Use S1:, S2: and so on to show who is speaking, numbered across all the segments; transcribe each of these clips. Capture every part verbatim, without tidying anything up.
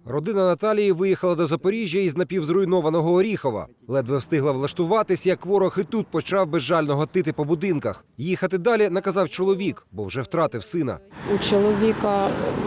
S1: Родина Наталії виїхала до Запоріжжя із напівзруйнованого Оріхова. Ледве встигла влаштуватись, як ворог і тут почав безжально гатити по будинках. Їхати далі наказав чоловік, бо вже втратив сина.
S2: У чоловіка,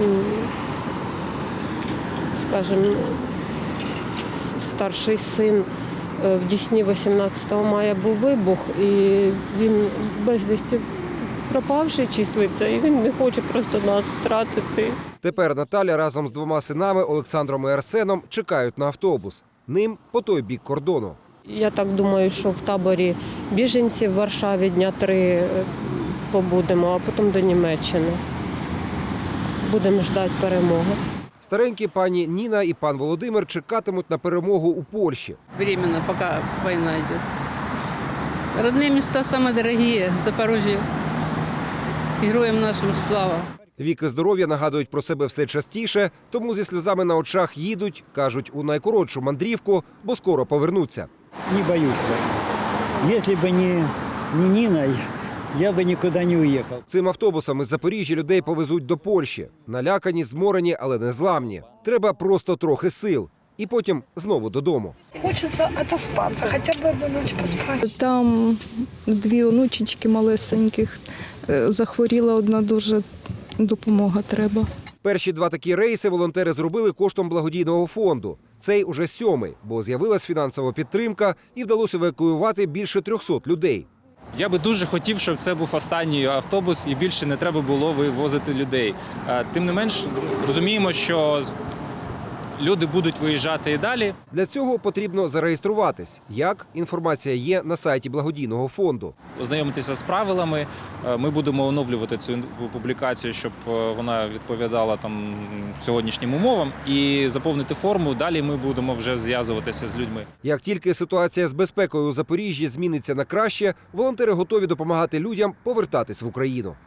S2: скажімо, старший син в Дісні вісімнадцятого мая був вибух, і він безвісті пропавший числиться, і він не хоче просто нас втратити.
S1: Тепер Наталя разом з двома синами Олександром і Арсеном чекають на автобус. Ним по той бік кордону.
S2: Я так думаю, що в таборі біженців в Варшаві дня три побудемо, а потім до Німеччини. Будемо чекати перемоги.
S1: Старенькі пані Ніна і пан Володимир чекатимуть на перемогу у Польщі.
S3: Временно, поки війна йде. Родні міста самі дорогі, Запоріжжя. Героям нашим слава.
S1: Вік і здоров'я нагадують про себе все частіше, тому зі сльозами на очах їдуть, кажуть, у найкоротшу мандрівку, бо скоро повернуться.
S4: Не боюсь войны. Если бы не, не Нина, я бы никуда не уехал.
S1: Цим автобусом із Запоріжжя людей повезуть до Польщі. Налякані, зморені, але не зламні. Треба просто трохи сил. І потім знову додому.
S5: Хочеться отоспатися, хоча б одну ніч поспати.
S6: Там дві онучечки малесеньких. Захворіла одна дуже, допомога треба.
S1: Перші два такі рейси волонтери зробили коштом благодійного фонду. Цей уже сьомий, бо з'явилась фінансова підтримка і вдалося евакуювати більше трьохсот людей.
S7: Я би дуже хотів, щоб це був останній автобус і більше не треба було вивозити людей. Тим не менш, розуміємо, що люди будуть виїжджати і далі.
S1: Для цього потрібно зареєструватись. Як? Інформація є на сайті благодійного фонду.
S7: Ознайомитися з правилами. Ми будемо оновлювати цю публікацію, щоб вона відповідала там сьогоднішнім умовам. І заповнити форму. Далі ми будемо вже зв'язуватися з людьми.
S1: Як тільки ситуація з безпекою у Запоріжжі зміниться на краще, волонтери готові допомагати людям повертатись в Україну.